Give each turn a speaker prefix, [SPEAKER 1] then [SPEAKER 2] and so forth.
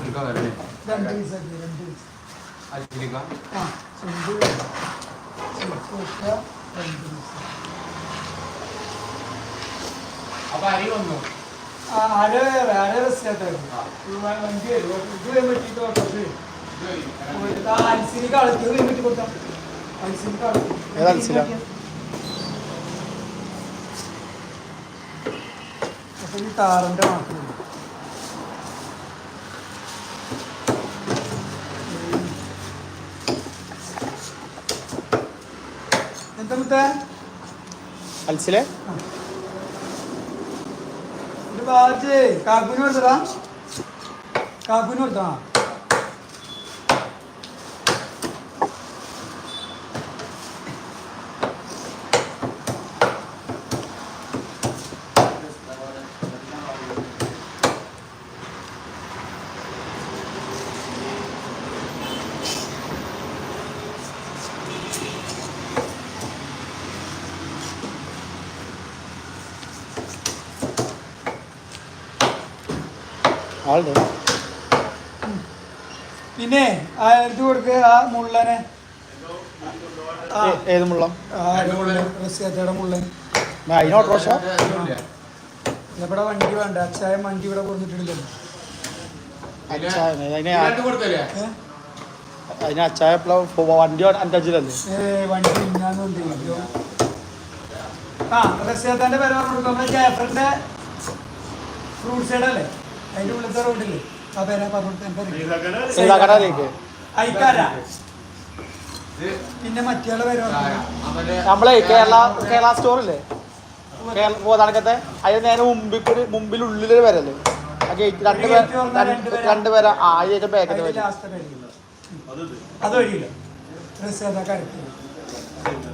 [SPEAKER 1] അപ്പൊ അരി വന്നു
[SPEAKER 2] അര വണ്ടി വരും പറ്റിട്ട് അരിസിന് കളത്തി പറ്റി കൊടുത്താൽ അരിസിന് കളത്തി അപ്പൊ ഈ താറിന്റെ മാത്രം എന്താ മുത്തേ
[SPEAKER 3] അൽസിലെ
[SPEAKER 2] ബാജ് കാക്കുന് കൊടുത്തടാ കാക്കുന് കൊടുത്താ പിന്നെ ഇത് കൊടുക്ക് ആ മുള്ളനെ
[SPEAKER 3] ഏത് മുള്ള
[SPEAKER 2] റസിയാത്തയുടെ മുള്ളൻ ഇവിടെ വണ്ടി വേണ്ട അച്ചായ വണ്ടി ഇവിടെ കൊടുത്തിട്ടുണ്ടല്ലോ
[SPEAKER 3] അതിന് അച്ചായ വണ്ടി അഞ്ചല്ലേ
[SPEAKER 2] വണ്ടി ഇന്നാന്നുണ്ട് ആ റസിയാത്താന്റെ പേര് പറഞ്ഞു നമ്മുടെ ജാഫറിന്റെ റോഡ് സൈഡ് അല്ലേ അതിന്റെ ഉള്ളത്തെ റോഡില്ലേ ആ പേരാ പറഞ്ഞു അയക്കാരാ പിന്നെ മറ്റേ പേര്
[SPEAKER 3] നമ്മളെ കേരള സ്റ്റോറില്ലേ പോതാണക്കത്തെ അതിന് നേരെ മുമ്പിൽ ഉള്ളിലൊരു പേരല്ലേ ആ ഗേറ്റ് രണ്ടുപേരാ ആ അതിന്റെ ബാക്കിൽ
[SPEAKER 2] അത് വഴിയില്ല